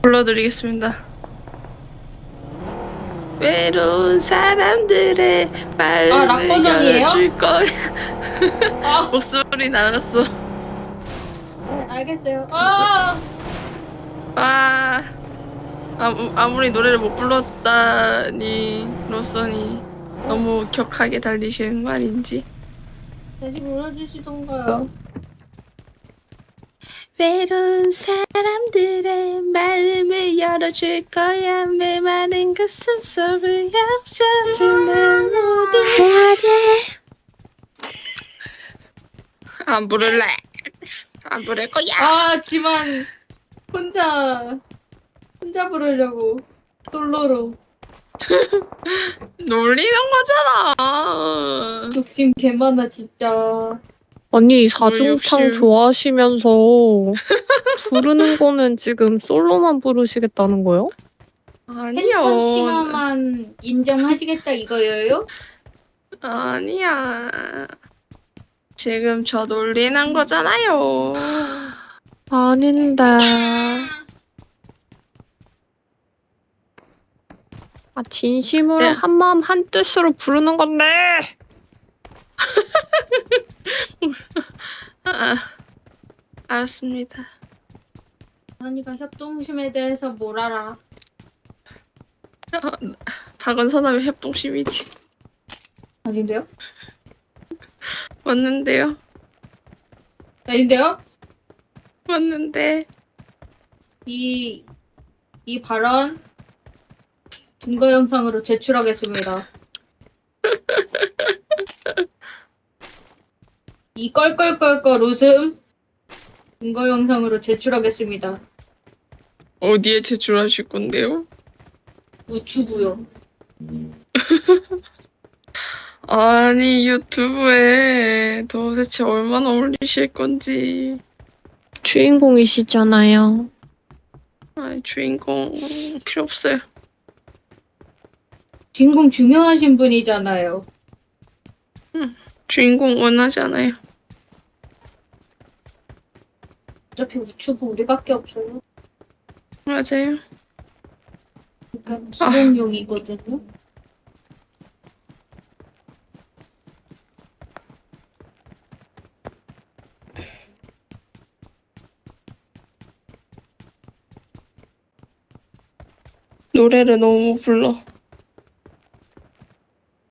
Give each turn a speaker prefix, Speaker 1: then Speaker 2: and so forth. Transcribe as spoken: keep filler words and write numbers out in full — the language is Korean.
Speaker 1: 불러드리겠습니다. 외로운 사람들의 마음을
Speaker 2: 아, 락 버전이에요?
Speaker 1: 열어줄 거야.
Speaker 2: 아,
Speaker 1: 목소리 나갔어.
Speaker 2: 네, 알겠어요. 아,
Speaker 1: 아, 아무, 아무리 노래를 못 불렀다니 로선이 너무 격하게 달리시는 거 아닌지.
Speaker 2: 다시 불러주시던가요.
Speaker 1: 외로운 사람들의 마음을 열어줄 거야. 메마른 가슴 속을 약셔줄 멜로디. 해야 돼. 안 부를래. 안 부를 거야.
Speaker 2: 아, 지만 혼자 혼자 부르려고 솔로로
Speaker 1: 놀리는 거잖아.
Speaker 2: 욕심 개 많아 진짜.
Speaker 3: 아니, 사중창
Speaker 1: 욕심.
Speaker 3: 좋아하시면서 부르는 거는 지금 솔로만 부르시겠다는 거요?
Speaker 1: 아니요.
Speaker 2: 팬텀 싱어만 인정하시겠다 이거예요?
Speaker 1: 아니야. 지금 저 놀리는 거잖아요.
Speaker 3: 아닌데. 아, 진심으로
Speaker 1: 네.
Speaker 3: 한마음 한뜻으로 부르는 건데.
Speaker 1: 아, 알았습니다.
Speaker 2: 언니가 협동심에 대해서 뭘 알아?
Speaker 1: 박은선하면 협동심이지.
Speaker 2: 아닌데요?
Speaker 1: 맞는데요?
Speaker 2: 아닌데요?
Speaker 1: 맞는데.
Speaker 2: 이, 이 발언 증거 영상으로 제출하겠습니다. 이 껄껄껄껄 웃음 증거 영상으로 제출하겠습니다.
Speaker 1: 어디에 제출하실 건데요?
Speaker 2: 우추구요.
Speaker 1: 아니, 유튜브에 도대체 얼마나 올리실 건지.
Speaker 3: 주인공이시잖아요.
Speaker 1: 아니, 주인공 필요 없어요.
Speaker 2: 주인공 중요하신 분이잖아요.
Speaker 1: 주인공 원하지 않아요.
Speaker 2: 어차피 우추구 우리밖에 없어요.
Speaker 1: 맞아요.
Speaker 2: 그러니까 수동용이거든요.
Speaker 1: 노래를 너무 불러.